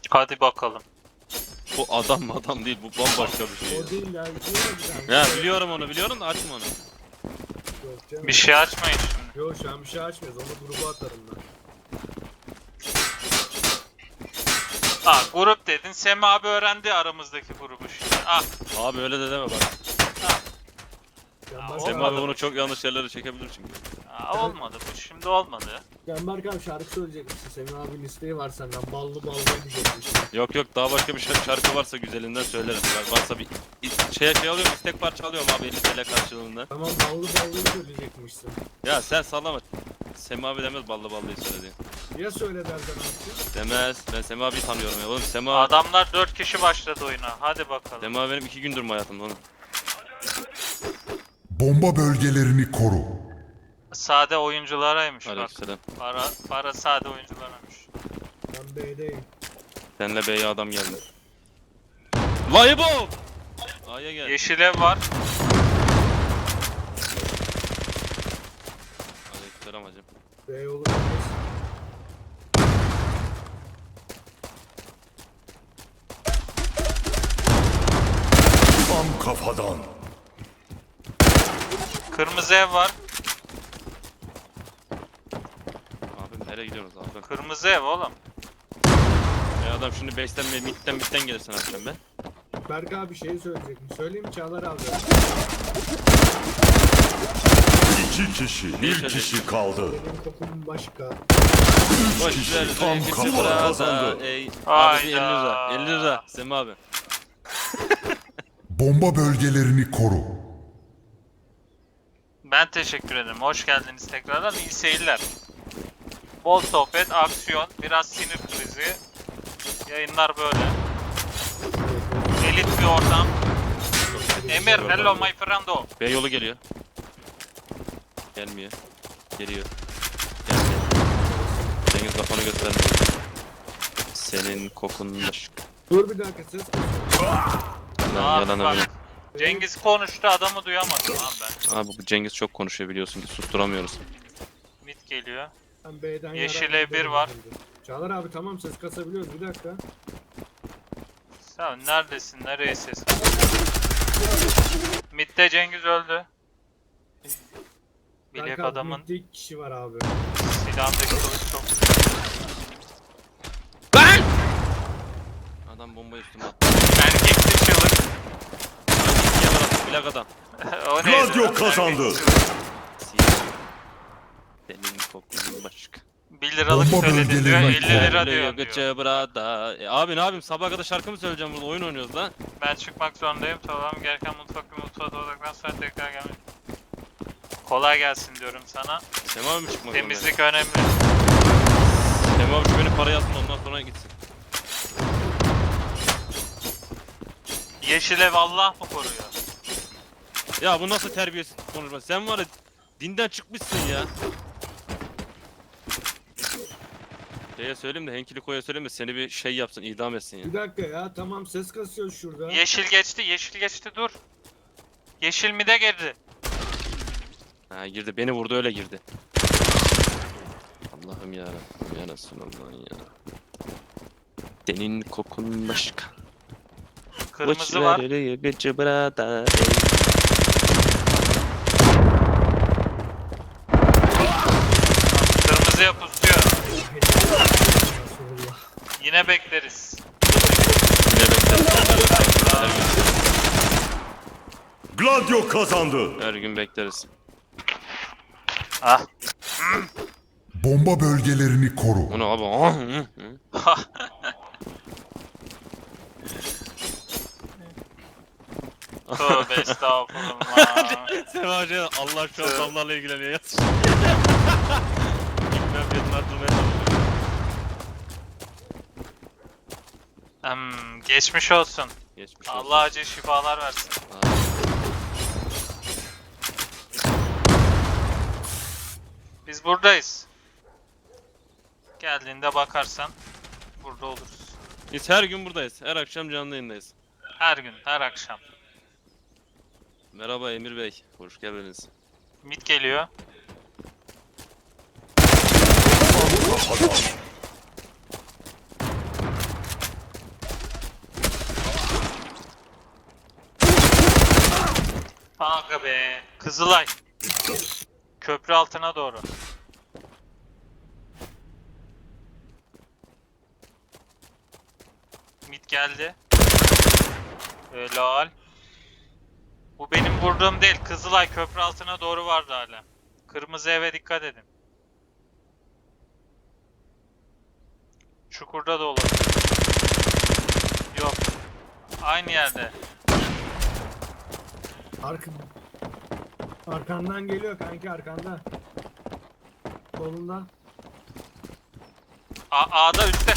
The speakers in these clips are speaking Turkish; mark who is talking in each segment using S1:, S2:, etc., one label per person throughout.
S1: Hadi bakalım.
S2: Bu adam değil, bu bambaşka bir şey ya.
S3: O değil ya.
S2: Ya biliyorum onu, biliyorum da açma onu.
S3: Yok canım.
S1: Bir şey açmayın şimdi.
S3: Yok şu an bir şey açmıyoruz. Onu gruba atarım ben.
S1: Grup dedin. Semi abi öğrendi aramızdaki grubu şimdi.
S2: Abi öyle de deme bak.
S3: Canberk
S2: Semih
S1: olmadı
S2: abi
S1: bu.
S2: bunu çok yanlış yerlere çekebilir çünkü.
S1: Olmadı bu. Şimdi olmadı.
S3: Canberk abi şarkı söyleyecekmişsin. Semih abinin isteği var senden. Ballı ballı diyecekmişsin.
S2: Yok daha başka bir şarkı varsa güzelinden söylerim. Yani varsa bir şey alıyorum, istek parça alıyorum abi 50 TL karşılığında.
S3: Tamam ballı ballı söyleyecekmişsin.
S2: Ya sen sallama. Semih abi demez ballı ballıyı söyledi.
S3: Ya söyle derden abi.
S2: Demez. Ben Semih abiyi tanıyorum ya. Oğlum Semih abi.
S1: Adamlar 4 kişi başladı oyuna. Hadi bakalım.
S2: Semih abi benim 2 gündür mü hayatımda oğlum.
S4: Bomba bölgelerini koru.
S1: Sade oyuncularaymış bak.
S2: Aleykümselam.
S1: Para sade oyuncularaymış.
S3: Ben B'deyim.
S2: Senle B'ye adam geldi. Layıbo! A'ya gel.
S1: Yeşil ev var.
S2: Aleykümselam hacım.
S3: B olur.
S4: Tam kafadan.
S1: Kırmızı ev var.
S2: Abi nereye gidiyorsunuz abi?
S1: Kırmızı ev oğlum.
S2: Adam şimdi base'ten ve mid'den gelirsen atacağım ben.
S3: Berk abi şey söyleyecekmiş. Söyleyeyim mi Çağlar abi?
S4: 2 kişi, bir kişi kaldı.
S3: Benim kokum başka.
S2: Boş
S4: kişi
S2: ver.
S4: tam
S2: ikisi
S4: kafadan
S2: burada.
S4: kazandı.
S2: Ey. Abi
S1: Hayda.
S2: bir 50 lira. 50 lira. Semih abi.
S4: Bomba bölgelerini koru.
S1: Ben teşekkür ederim. Hoş geldiniz tekrardan. İyi seyirler. Bol sohbet, aksiyon, biraz sinir krizi. Yayınlar böyle. Elit bir ortam. Emir, hello my friendo.
S2: B yolu geliyor. Gelmiyor. Geliyor. Geldi. Cengiz kafanı göstermiyor. Senin kokun başka.
S3: Dur bir dakika ses.
S2: Lan yalan
S1: Bak,
S2: öyle.
S1: Cengiz konuştu, adamı duyamadım abi ben.
S2: Abi bu Cengiz çok konuşuyor biliyorsun ki susturamıyoruz.
S1: Mid geliyor.
S3: Ben B'den
S1: Yeşil
S3: yarar-
S1: E1 var.
S3: Çağlar abi tamam ses kasabiliyoruz bir dakika.
S1: Sen neredesin? Nereye ses? Mid'de Cengiz öldü.
S3: Berk
S1: Bilek
S3: abi,
S1: adamın
S3: midde 2 kişi var abi.
S1: silahındaki kılıç çok...
S2: Adam bombayı üstüme attı.
S1: Erkekli çığlık.
S2: Bilek adam.
S1: O neydi?
S4: Gladio kazandı.
S1: Erkekli çığlık.
S2: Senin kokun başka.
S1: 1 liralık
S4: Bomba
S1: söyledin diyor,
S4: bölgeleri
S1: 50 lira diyor.
S2: Gıcı burada. Abi ne yapayım sabaha kadar şarkı mı söyleyeceğim burada oyun oynuyoruz lan.
S1: Ben çıkmak zorundayım. Tamam, gereken mutfağa doğduktan sonra tekrar gelmek. Kolay gelsin diyorum sana.
S2: Semih abi mi çıkmak
S1: Temizlik önemli.
S2: Semih abi şu benim parayı alsın ondan sonra gitsin.
S1: Yeşil ev Allah mı koruyor?
S2: Ya bu nasıl terbiyesiz konuşma? Sen var ya dinden çıkmışsın ya. Şeye söyleyeyim de Henkili Koy'a söyleyeyim de seni bir şey yapsın idam etsin ya.
S3: Bir dakika ya tamam ses kasıyor şurada.
S1: Yeşil geçti dur. Yeşil mi de girdi?
S2: Ha girdi beni vurdu öyle girdi. Allah'ım ya Rabbim ya Resulallah ya. Senin kokun başka.
S1: Kırmızı var.
S2: Gıcı burada.
S1: Kırmızıya pusuyor.
S3: Resulullah.
S1: Yine bekleriz.
S2: Ne bekleriz?
S4: Gladio kazandı.
S2: Her gün bekleriz.
S1: Ah.
S4: Bomba bölgelerini koru.
S2: Bu ne abi? Ah, hı, hı.
S1: Tövbe estağfurullah.
S2: Semih Hoca Allah şu an damlarla ilgileniyor yaz. Gitmem fiyatını arttırmaya çalışıyor.
S1: Geçmiş olsun.
S2: Geçmiş olsun.
S1: Allah acil şifalar versin. Biz buradayız. Geldiğinde bakarsan burada oluruz.
S2: Biz her gün buradayız. Her akşam canlı yayındayız.
S1: Her gün, her akşam.
S2: Merhaba Emir Bey. Hoş geldiniz.
S1: Mid geliyor. Kızılay. Köprü altına doğru. Mid geldi. Helal. Bu benim vurduğum değil. Kızılay köprü altına doğru vardı hala. Kırmızı eve dikkat edin. Çukurda da olur. Yok. Aynı yerde.
S3: Arkandan geliyor kanki, arkanda. Solunda.
S1: A'da üstte.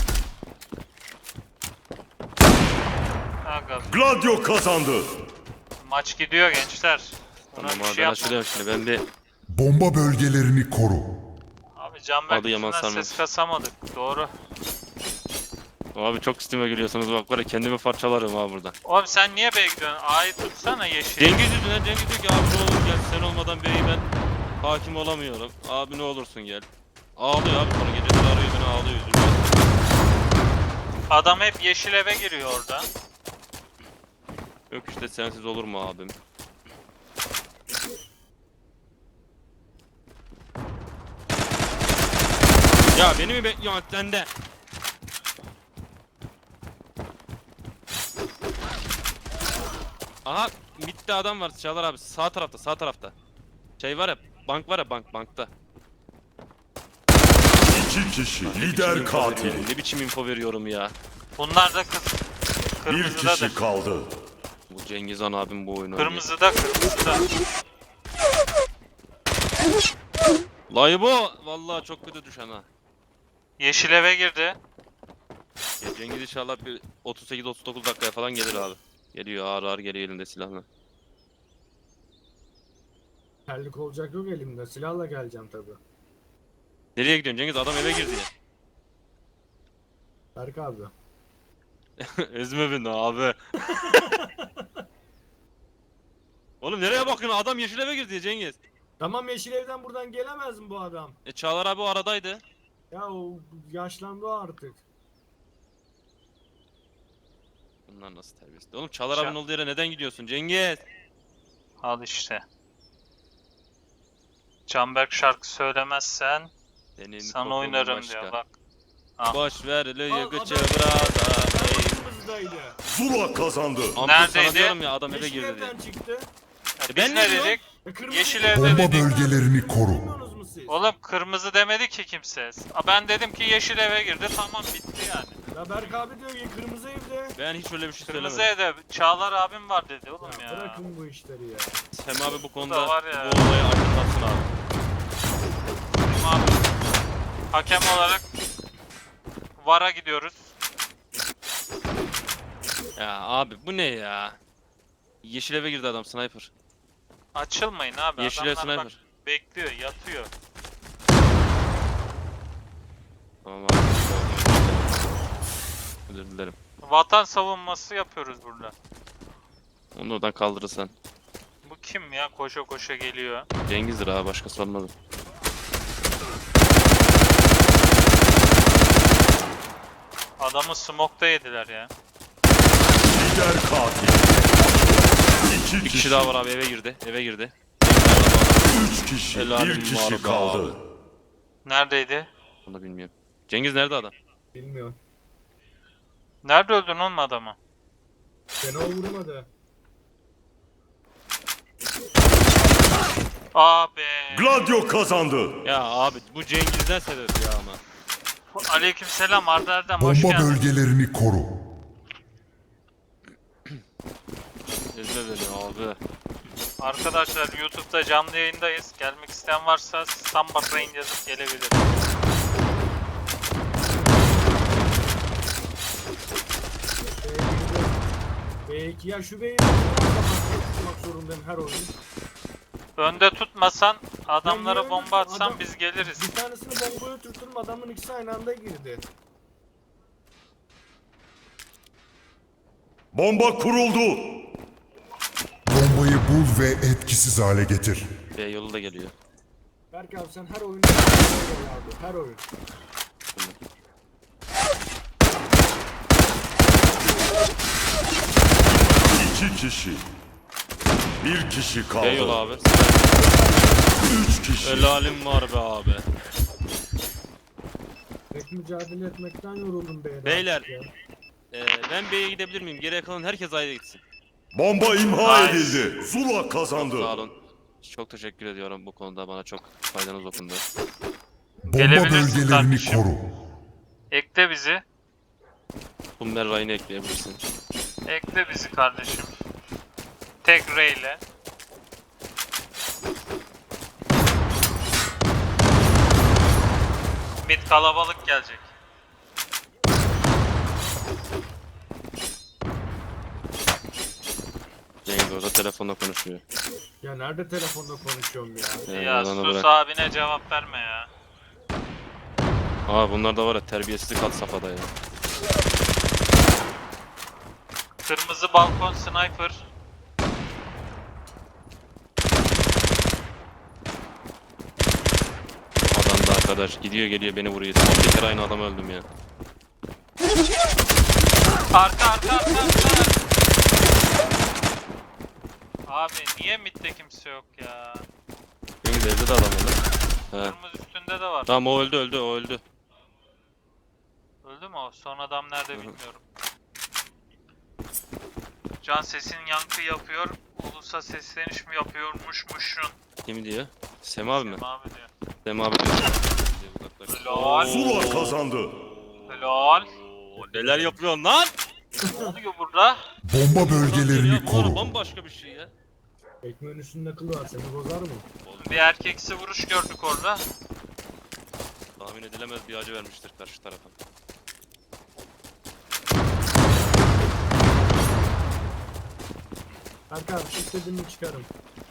S1: Aga,
S4: Gladio kazandı.
S1: maç gidiyor gençler. Buna
S2: Tamam
S1: bir
S2: abi
S1: şey
S2: ben
S1: yapma.
S2: açılıyorum şimdi. Ben bir
S4: Bomba bölgelerini koru.
S1: Abi Canberk
S2: Adı Yaman
S1: yüzünden
S2: Sarmaz.
S1: ses kasamadık. Doğru.
S2: abi çok üstüme gülüyorsunuz bak var ya kendimi parçalarım abi burada.
S1: Oğlum sen niye B'ye gidiyorsun? A'yı tutsana yeşil.
S2: Cengiz yüzünden Cengiz diyor ki abi ne olur gel sen olmadan B'yi ben hakim olamıyorum. Abi ne olursun gel. Ağlıyor abi sonra geceleri arıyor beni ağlıyor yüzümden.
S1: Adam hep yeşil eve giriyor orada.
S2: Yok işte sensiz olur mu abim? Ya beni mi bekliyorsun sen de? Aha midde adam var Çağlar abi sağ tarafta. Şey var ya bank var ya bankta.
S4: 2 kişi
S2: Ne biçim
S4: lider
S2: info
S4: katil.
S2: veriyorum, Ne biçim info veriyorum ya.
S1: Bunlar da
S4: Bir
S1: kırmızıdadır.
S4: kişi kaldı.
S2: Bu Cengiz Han abim bu oyunu oynuyor.
S1: Kırmızıda.
S2: Laybo vallahi çok kötü düşen ha.
S1: Yeşil eve girdi.
S2: Ya Cengiz inşallah bir 38-39 dakikaya falan gelir abi. Geliyor ağır ağır geliyor elinde silahla.
S3: Terlik olacak yok elimde. Silahla geleceğim tabi.
S2: Nereye gidiyorsun Cengiz? Adam eve girdi ya.
S3: Berk abi.
S2: Ezme beni abi. Oğlum nereye bakıyorsun? Adam yeşil eve girdi ya Cengiz.
S3: Tamam, yeşil evden buradan gelemez mi bu adam?
S2: Çağlar abi o aradaydı.
S3: Ya o yaşlandı o artık.
S2: Bunlar nasıl terbiyesiz? Oğlum Çağlar abinin olduğu yere neden gidiyorsun Cengiz?
S1: Al işte. Canberk şarkı söylemezsen
S2: Senin
S1: sana
S2: kokun
S1: oynarım
S2: başka.
S1: diyor bak.
S2: Boş ver
S3: Al,
S2: lüyü gıcı
S3: adam-
S2: brada.
S3: Kırmızıdaydı.
S4: Zula kazandı.
S2: Ampul
S1: Neredeydi?
S2: sana diyorum ya adam eve
S3: Yeşil
S2: girdi diye.
S3: evden çıktı.
S1: Biz
S2: ben
S1: ne
S2: ne diyorum?
S1: dedik?
S3: Kırmızı
S1: Yeşil
S3: evden-
S1: evde
S4: Bomba
S1: dedik.
S4: bölgelerini koru.
S3: Bilmiyorsunuz mu siz?
S1: Oğlum kırmızı demedi ki kimse. Ben dedim ki yeşil eve girdi, tamam bitti yani.
S3: Ya Berk abi diyor ki kırmızı evde.
S2: Ben hiç öyle bir şey
S1: Kırmızı
S2: söylemedim.
S1: evde Çağlar abim var dedi oğlum
S3: Ya
S1: ya.
S3: bırakın bu işleri ya.
S2: Hem abi bu konuda
S1: da var ya.
S2: bu olayı aydınlatsın abi.
S1: Bizim abi hakem olarak VAR'a gidiyoruz.
S2: Ya abi bu ne ya? Yeşil eve girdi adam sniper.
S1: Açılmayın abi.
S2: Yeşil ev
S1: Adamlar bak
S2: sniper.
S1: bekliyor, yatıyor.
S2: Tamam abi. Özür dilerim.
S1: Vatan savunması yapıyoruz burada.
S2: Onu oradan kaldırırsan.
S1: Bu kim ya? Koşa koşa geliyor.
S2: Cengiz'dir abi başkası olmadı.
S1: Adamı smoke'ta yediler ya.
S4: Lider katil. 2
S2: Bir
S4: kişi.
S2: kişi daha var abi eve girdi. Eve girdi.
S4: 3 kişi.
S2: Helalim
S4: Bir
S2: var
S4: kişi
S2: be
S4: kaldı.
S1: Neredeydi?
S2: Onu da bilmiyorum. Cengiz nerede adam?
S3: Bilmiyorum.
S1: Nerede öldün oğlum adamı?
S3: Beni o vurmadı.
S1: Abi.
S4: Gladio kazandı.
S2: Ya abi bu Cengiz'den sebep ya ama.
S1: Aleykümselam Arda Erdem, hoş
S4: Bomba
S1: geldin.
S4: bölgelerini koru.
S2: Ezme beni abi.
S1: Arkadaşlar YouTube'da canlı yayındayız. Gelmek isteyen varsa Samba Brain yazıp gelebilir.
S3: B2 ya şu B'yi tutmak zorundayım her oyun.
S1: Önde tutmasan, adamlara
S3: niye
S1: bomba
S3: öyle-
S1: atsan
S3: adam-
S1: biz geliriz.
S3: Bir tanesini bombaya tuttum, adamın ikisi aynı anda girdi.
S4: Bomba kuruldu. Bombayı bul ve etkisiz hale getir.
S2: B yolu da geliyor.
S3: Berk abi sen her oyunda abi, her oyun.
S4: İki kişi.
S5: Bir kişi kaldı.
S2: Bey yol abi.
S5: 3 kişi.
S2: Helalim var be abi.
S3: Pek mücadele etmekten yoruldum beyler.
S2: Beyler.
S3: artık ya.
S2: Ben B'ye gidebilir miyim? Geriye kalan herkes A'ya gitsin.
S5: Bomba imha
S1: Nice.
S5: edildi. Zula kazandı.
S2: Sağ olun. Çok teşekkür ediyorum bu konuda, bana çok faydanız dokundu.
S4: Bomba
S1: Gelebilirsin
S4: bölgelerini
S1: kardeşim.
S4: koru.
S1: Ekle bizi.
S2: Boomer Ryan'ı ekleyebilirsin.
S1: Ekle bizi kardeşim. Tek R ile. Mid kalabalık gelecek.
S2: Cengiz orada telefonla konuşuyor.
S3: Ya nerede telefonda konuşuyorum ya?
S1: Ya
S2: Bana
S1: sus
S2: bırak.
S1: abine cevap verme ya.
S2: Aa bunlar da var ya, terbiyesizlik had safhada ya.
S1: Kırmızı balkon sniper.
S2: Adam da arkadaş gidiyor geliyor beni vuruyor. Son bir kere aynı adam öldüm ya.
S1: Arka. Abi niye midde kimse yok ya?
S2: Cengiz evde de adam var lan. He.
S1: Kırmızı üstünde de var.
S2: Tamam o öldü o öldü.
S1: Öldü mü o? Son adam nerede bilmiyorum. Can sesin yankı yapıyor. Ulusa sesleniş mi yapıyormuşmuşsun?
S2: Kim diyor? Sema abi mi?
S1: Abi diyor.
S2: Sema abi diyor.
S1: Helal.
S5: Zula kazandı.
S1: Helal.
S2: Neler yapıyorsun lan?
S1: Ne oluyor burada?
S4: Bomba bölgelerini
S2: Bu ara
S4: koru.
S2: bambaşka bir şey ya.
S3: Ekmeğin üstünde kıl var, seni bozar mı?
S1: Bir erkeksi vuruş gördük orada.
S2: Tahmin edilemez bir acı vermiştir karşı tarafa.
S3: Erkan abi istediğimi çıkarım.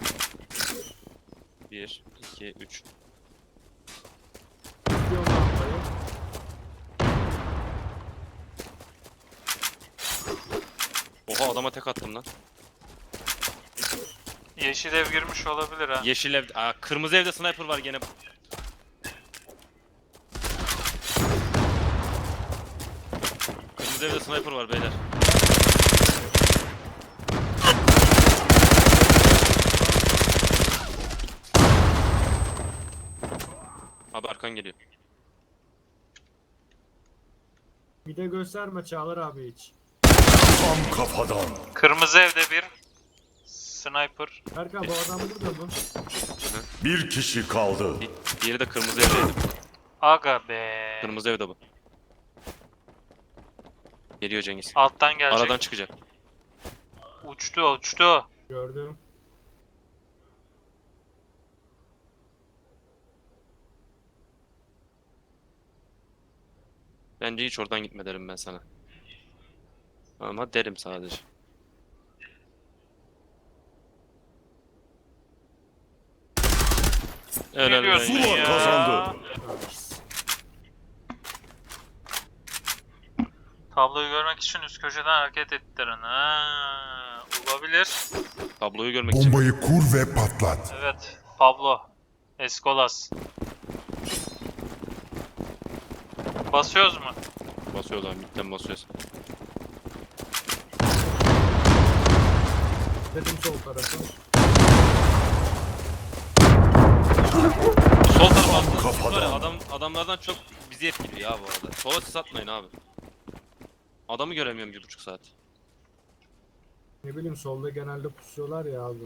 S2: 1, 2, 3.
S3: İstiyorum lambayı.
S2: Oha adama tek attım lan.
S1: Yeşil ev girmiş olabilir ha.
S2: Yeşil ev... Aa, kırmızı evde sniper var gene. Kırmızı evde sniper var beyler. Abi arkan geliyor.
S3: Bir de gösterme Çağlar abi hiç.
S5: Tam kafadan.
S1: Kırmızı evde bir sniper.
S3: Erkan bu adam burada mı?
S5: Bir kişi kaldı.
S2: Diğeri de kırmızı evdeydi.
S1: Aga be.
S2: Kırmızı evde bu. Geliyor Cengiz.
S1: Alttan gelecek.
S2: Aradan çıkacak.
S1: Uçtu.
S3: Gördüm.
S2: Bence hiç oradan gitme derim ben sana. Ama derim sadece. Helal
S1: Geliyorsun
S2: be.
S5: Zula
S1: ya.
S5: kazandı.
S1: Tabloyu görmek için üst köşeden hareket ettirin. Ha, olabilir.
S2: Tabloyu görmek için.
S4: Bombayı kur ve patlat.
S1: Evet. Pablo. Escolas. Basıyoruz mu?
S2: Basıyoruz abi, midden basıyoruz.
S3: Dedim sol tarafa.
S2: Sol tarafa attınız.
S5: kafadan.
S2: Var ya, adamlardan çok bizi etkiliyor ya bu arada. Sola siz atmayın abi. Adamı göremiyorum 1,5 saat.
S3: Ne bileyim solda genelde pusuyorlar ya abi.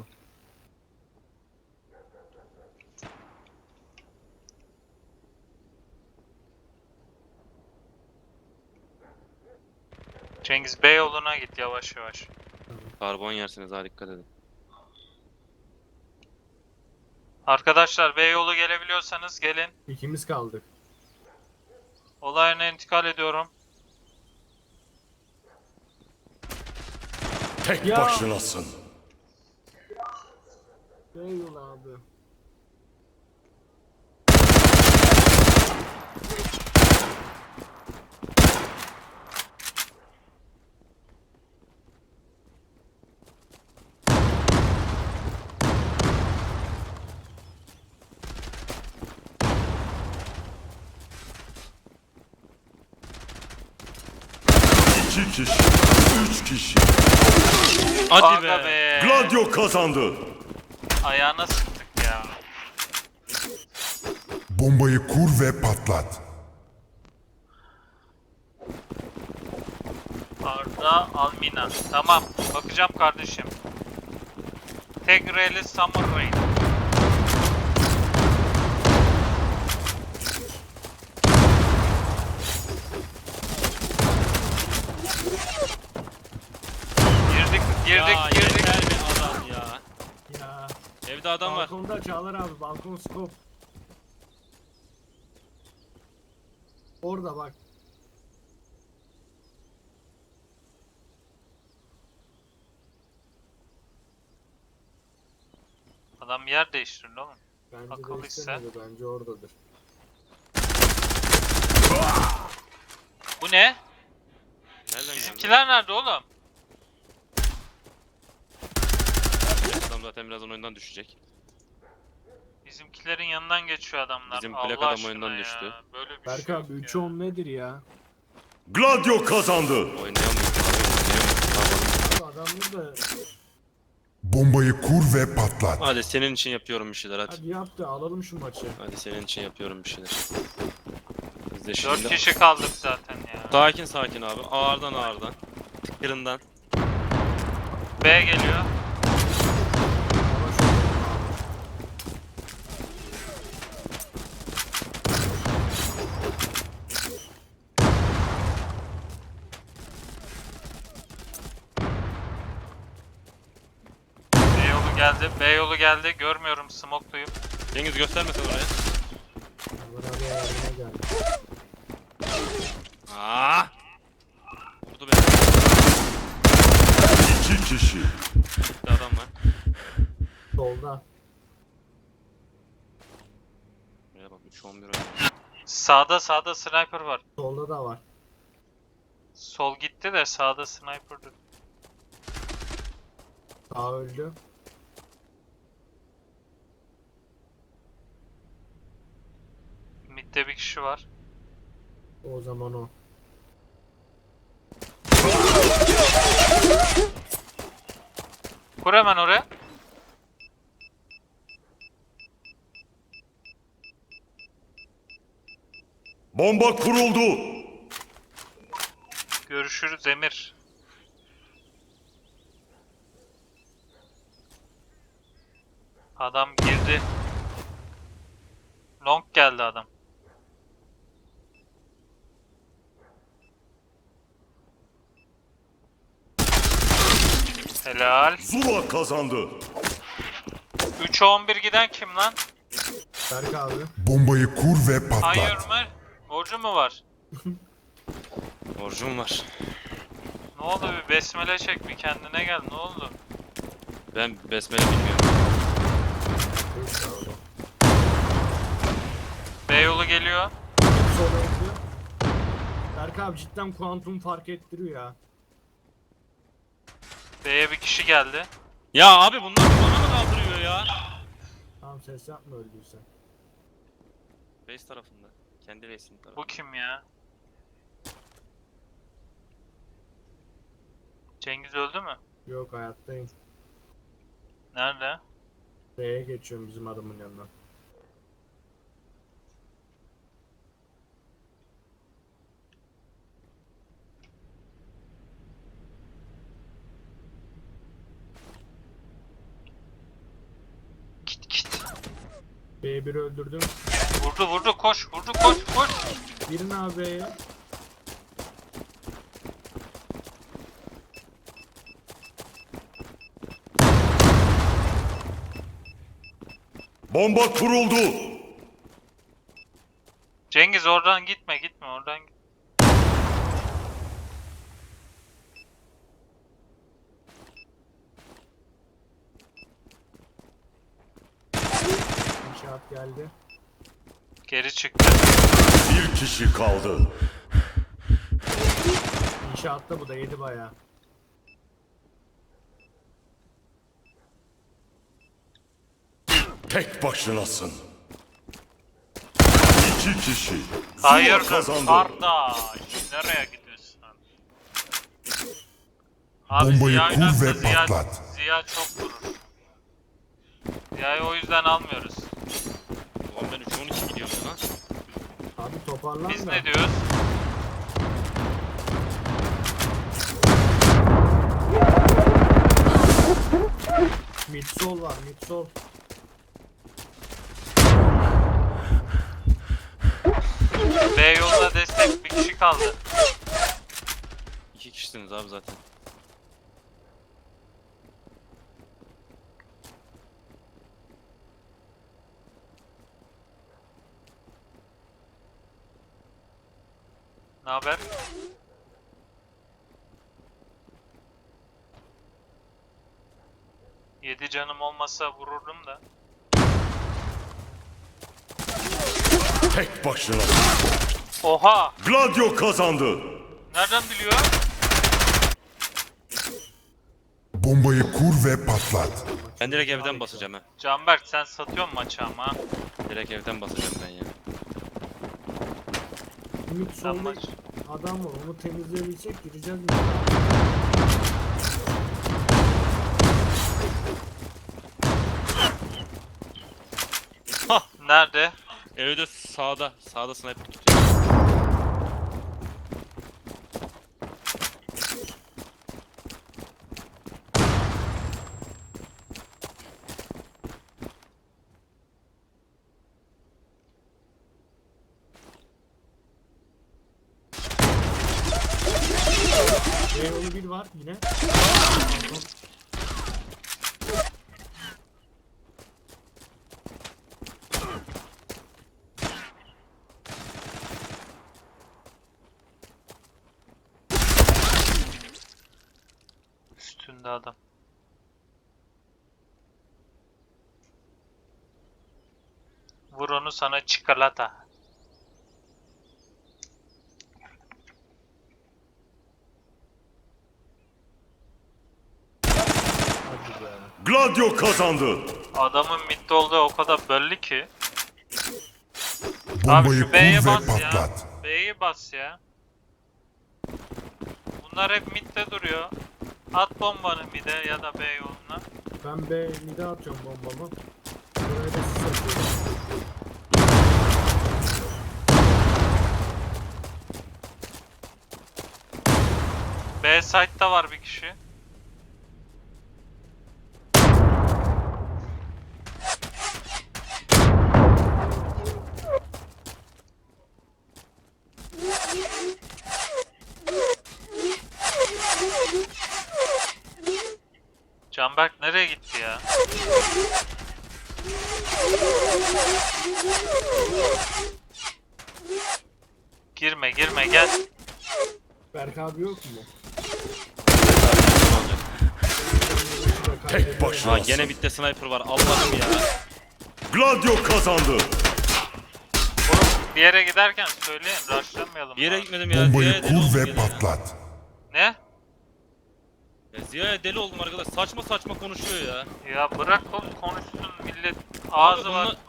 S1: Cengiz Beyoğlu'na git yavaş yavaş.
S2: Karbon yersiniz ha, dikkat edin.
S1: Arkadaşlar Beyoğlu gelebiliyorsanız gelin.
S3: İkimiz kaldık.
S1: Olay yerine intikal ediyorum.
S5: Tek
S3: Ya.
S5: başınasın.
S3: Eyvallah abi.
S5: 2 kişi. 3 kişi.
S2: Hadi
S1: Aga
S2: be.
S1: be.
S5: Gladio kazandı.
S1: Ayağına sıktık ya.
S4: Bombayı kur ve patlat.
S1: Arda Almina. Tamam. Bakacağım kardeşim. Tek R'li Summer Rain. Girdik,
S2: Ya
S1: girdik.
S2: yeter be adam ya.
S3: Ya.
S2: Evde adam var.
S3: Balkonda Çağlar abi. Balkon scope. Orada bak.
S1: Adam yer değiştirdi oğlum.
S3: Bence
S1: Akıl
S3: de
S1: ise.
S3: istemedi. Bence oradadır.
S1: Bu ne?
S2: Nereden geldi?
S1: Bizimkiler nerede oğlum?
S2: Adam zaten birazdan oyundan düşecek.
S1: Bizimkilerin yanından geçiyor adamlar.
S2: Bizim
S1: Allah
S2: plak adam
S1: aşkına
S2: oyundan
S1: ya.
S2: düştü.
S1: Böyle bir
S3: Berk
S1: şey
S3: abi
S1: yok
S3: 3'e
S1: ya.
S3: 10 nedir ya?
S5: Gladio kazandı.
S2: Oynayamıyoruz. Ne yapalım?
S3: Bu adamlar da
S4: Bombayı kur ve patlat.
S2: Hadi senin için yapıyorum bir şeyler hadi.
S3: hadi yaptı alalım şu maçı.
S2: Hadi senin için yapıyorum bir şeyler. Biz de
S1: 4
S2: şimdi...
S1: kişi kaldık zaten ya.
S2: Sakin sakin abi. Ağırdan ağırdan. Tıkırından.
S1: B geliyor.
S3: Ama şu
S1: B yolu geldi. B yolu geldi. Görmüyorum. Smoke'luyum.
S2: Cengiz göstermesin oraya.
S3: Çağlar abi yardıma geldi.
S2: Aa! Vurdu beni.
S5: 2 kişi.
S2: Bir adam var.
S3: Solda.
S2: Buraya bak 3-11 oynuyor.
S1: Sağda sniper var.
S3: Solda da var.
S1: Sol gitti de sağda sniper'dı.
S3: Sağ öldü.
S1: Mid'de bir kişi var.
S3: O zaman o.
S1: Kur hemen oraya.
S5: Bomba kuruldu.
S1: Görüşürüz Emir. Adam girdi. Long geldi adam. Helal.
S5: Zula kazandı.
S1: 3'e 11 giden kim lan?
S3: Berk abi.
S4: Bombayı kur ve
S1: Hayır
S4: patlat.
S1: mı? Borcu mu var?
S2: Borcum var.
S1: Ne oldu, bir besmele çek, bir kendine gel, ne oldu?
S2: Ben besmele bilmiyorum.
S3: Sağ olun.
S1: B yolu geliyor.
S3: Sola öldü. Berk abi cidden kuantum fark ettiriyor ya.
S1: B'ye bir kişi geldi.
S2: Ya abi bunlar bana mı kaldırıyor ya?
S3: Tamam ses yapma öldüysen.
S2: Base tarafında. Kendi base'in
S1: Bu
S2: tarafında.
S1: kim ya? Cengiz öldü mü?
S3: Yok hayattayım.
S1: Nerede?
S3: B'ye geçiyorum bizim adamın yanına.
S1: Git git.
S3: B1'i öldürdüm.
S1: Vurdu, koş, vurdu, koş.
S3: Birini abi B'ye.
S5: Bomba kuruldu.
S1: Cengiz oradan gitme, oradan git.
S3: İnşaat geldi.
S1: Geri çıktı.
S5: Bir kişi kaldı.
S3: İnşaatta bu da yedi bayağı.
S5: Tek başınasın. 2 kişi. Zula
S1: Hayır
S5: kazandı.
S1: kardeş, nereye gidiyorsun? Abi
S4: Bombayı
S1: Ziya
S4: kur
S1: oynarsa
S4: ve
S1: Ziya,
S4: patlat.
S1: Ziya çok vurur. Ziya'yı o yüzden almıyoruz.
S2: Ulan ben 3-12 gidiyorum ya lan.
S3: Abi toparlan
S1: Biz
S3: da.
S1: ne diyoruz?
S3: Midsol var midsol.
S1: B yoluna destek, bir kişi kaldı.
S2: 2 kişisiniz abi zaten.
S1: Ne haber? Yedi canım olmasa vururdum da.
S5: Tek başına.
S1: Oha!
S5: Gladio kazandı.
S1: Nereden biliyor?
S4: Bombayı kur ve patlat.
S2: Ben direkt evden basacağım ha.
S1: Canberk sen satıyorsun maçı ama.
S2: Direkt evden basacağım ben ya.
S1: Sen
S3: Midsol'da
S1: maç.
S3: adam var onu temizleyebilsek gireceğiz mi?
S1: Nerede?
S2: Evde sağda. Sağda sniper tutuyor.
S3: Onu bir var yine.
S1: Üstünde adam. Vur onu sana çikolata.
S3: Hadi be.
S5: Gladio kazandı.
S1: Adamın midde olduğu o kadar belli ki. Abi
S4: Bombayı
S1: şu B'ye
S4: kur ve
S1: bas ya.
S4: patlat.
S1: B'ye bas ya. Bunlar hep midde duruyor. At bombanı mid'e ya da B yoluna.
S3: Ben B mid'e atıyorum bombamı. Buraya da sis atıyorum.
S1: B site'da var bir kişi. Canberk nereye gitti ya? Girme girme gel.
S3: Berk abi yok mu?
S5: Tek başına.
S2: Ha gene bitti sniper var. Allah'ım ya.
S5: Gladio kazandı.
S1: Oğlum bir yere giderken söyleyin rushlamayalım.
S2: Bir yere
S1: abi.
S2: gitmedim ya.
S4: Bombayı
S2: Ziya'ya deli oldum
S4: kur ve
S2: gene ya.
S4: patlat.
S1: Ne?
S2: Ya Ziya'ya deli oldum arkadaş. Saçma saçma konuşuyor ya.
S1: Ya bırak oğlum konuşsun millet ağzı
S2: Abi
S1: var.
S2: bunlar-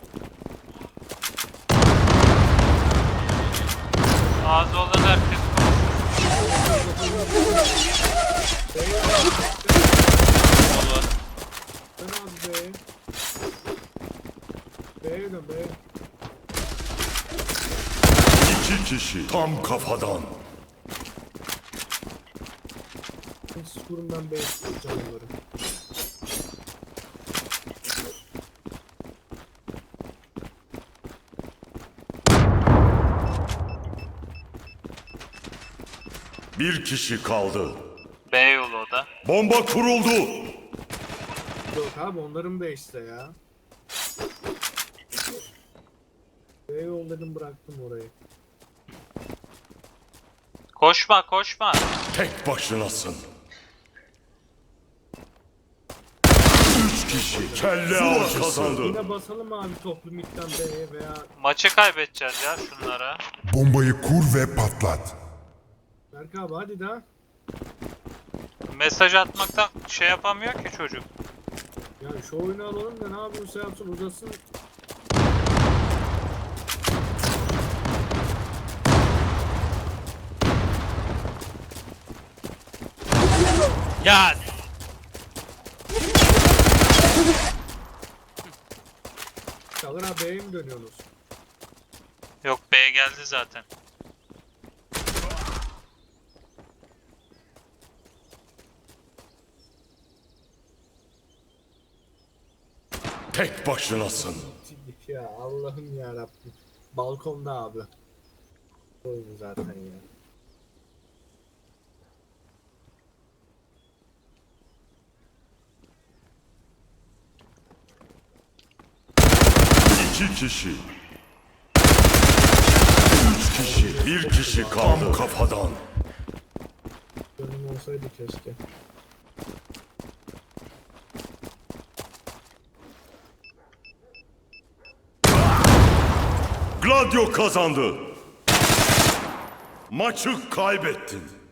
S1: Ağzı olan herkes konuşsun.
S2: Vallahi.
S3: Ben abi B'ye. B'ye dön B'ye.
S5: İki kişi tam kafadan.
S3: Siz kurun ben B'ye tutacağım onları.
S5: Bir kişi kaldı.
S1: B yolu o da.
S5: Bomba kuruldu.
S3: Yok abi onların B işte ya. B yol dedim bıraktım orayı.
S1: Koşma koşma.
S5: Tek başınasın. Üç kişi kelle av kazandı.
S3: Yine basalım abi toplu midden B'ye veya
S1: Maçı kaybedeceğiz ya şunlara.
S4: Bombayı kur ve patlat.
S3: Berk abi hadi daha.
S1: Mesaj atmaktan şey yapamıyor ki çocuk.
S3: Ya şu oyunu alalım da ne yapıyorsa yapsın uzasın.
S2: Ya
S3: Çağlar abi B'ye mi dönüyorsunuz?
S1: Yok, B geldi zaten.
S5: Tek başınasın.
S3: Ya Allah'ım ya Rabbim. Balkonda abi. Oyun zaten ya.
S5: İki kişi. Üç kişi. Bir kişi kaldı. Tam kafadan.
S3: Önüm olsaydı keşke.
S5: Gladio kazandı. Maçı kaybettin.